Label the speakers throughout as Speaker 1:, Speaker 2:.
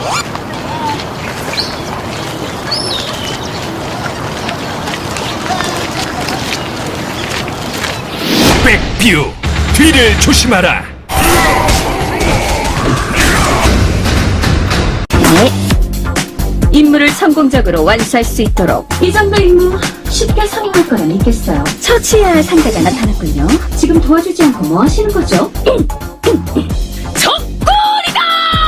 Speaker 1: 백뷰, 뒤를 조심하라.
Speaker 2: 네. 임무를 성공적으로 완수할 수 있도록 이 정도 임무 쉽게 성공할 거라 믿겠어요. 처치해야 할 상대가 나타났군요. 지금 도와주지 않고 뭐 하시는 거죠? 적골이다!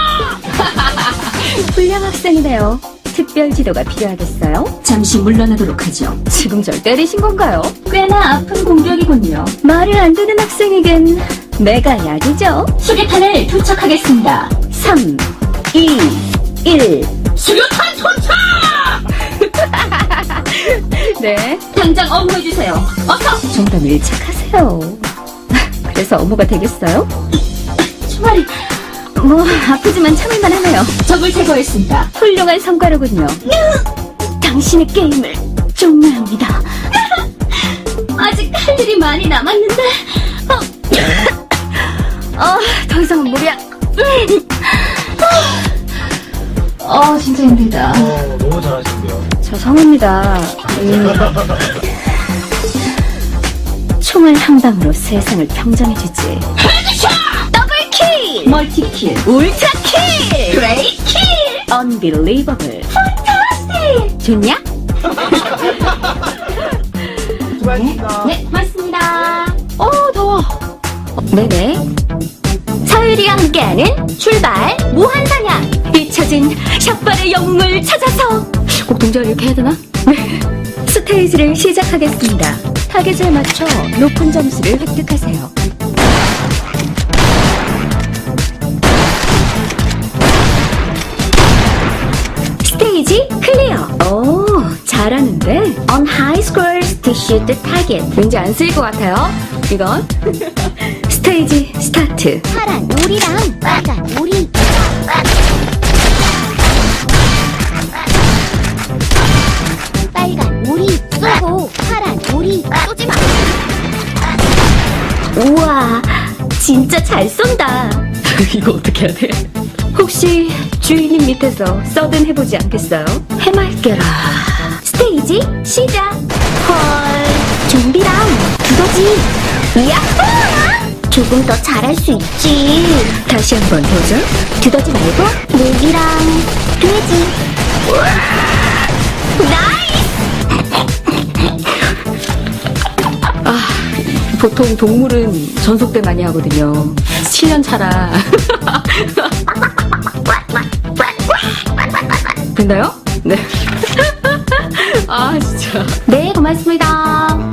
Speaker 2: 훌륭 학생이네요. 특별 지도가 필요하겠어요? 잠시 물러나도록 하죠. 지금 절 때리신 건가요? 꽤나 아픈 공격이군요. 말을 안 듣는 학생에겐 내가 약이죠. 수류탄을 투척하겠습니다. 3, 2, 1. 수류탄 투척! 네. 당장 업무해주세요. 어서! 좀 더 밀착하세요. 그래서 업무가 되겠어요? 총알이... 뭐 아프지만 참을만 하네요. 적을 제거했습니다. 훌륭한 성과로군요. 당신의 게임을 종료합니다. 아직 할 일이 많이 남았는데 더 이상은 무리야. 진짜 힘들다.
Speaker 3: 너무 잘하시는데요.
Speaker 2: 저 성우입니다. 총알 한 방으로 세상을 평정해주지. 더블킬! 멀티킬! 울트라킬! 그레이킬! 언빌리버블! 판타스틱! 좋냐?
Speaker 3: 수고하셨습니다.
Speaker 2: 네, 고맙습니다. 더워. 네네. 서율이와 함께하는 출발 무한사냥! 잊혀진 샷발의 영웅을 찾아서! 꼭 동작을 이렇게 해야 되나? 네. 스테이지를 시작하겠습니다. 타겟에 맞춰 높은 점수를 획득하세요. 스테이지 클리어. 오, 잘하는데. On high scores to shoot the target. 왠지 안 쓰일 것 같아요. 이건. 스테이지 스타트.
Speaker 4: 파란 오리랑 빨간 오리. 빨간 오리 쏘고 파란 오리 쏘지 마.
Speaker 2: 우와, 진짜 잘 쏜다. 이거 어떻게 해야 돼? 혹시 주인님 밑에서 서든 해보지 않겠어요? 해맑게라. 스테이지 시작.
Speaker 4: 헐, 좀비랑 두더지. 야호! 조금 더 잘할 수 있지.
Speaker 2: 다시 한번 도전.
Speaker 4: 두더지 말고 모기랑 돼지.
Speaker 2: 보통 동물은 전속대 많이 하거든요. 7년 차라. 됐나요? 네. 진짜.
Speaker 4: 네, 고맙습니다.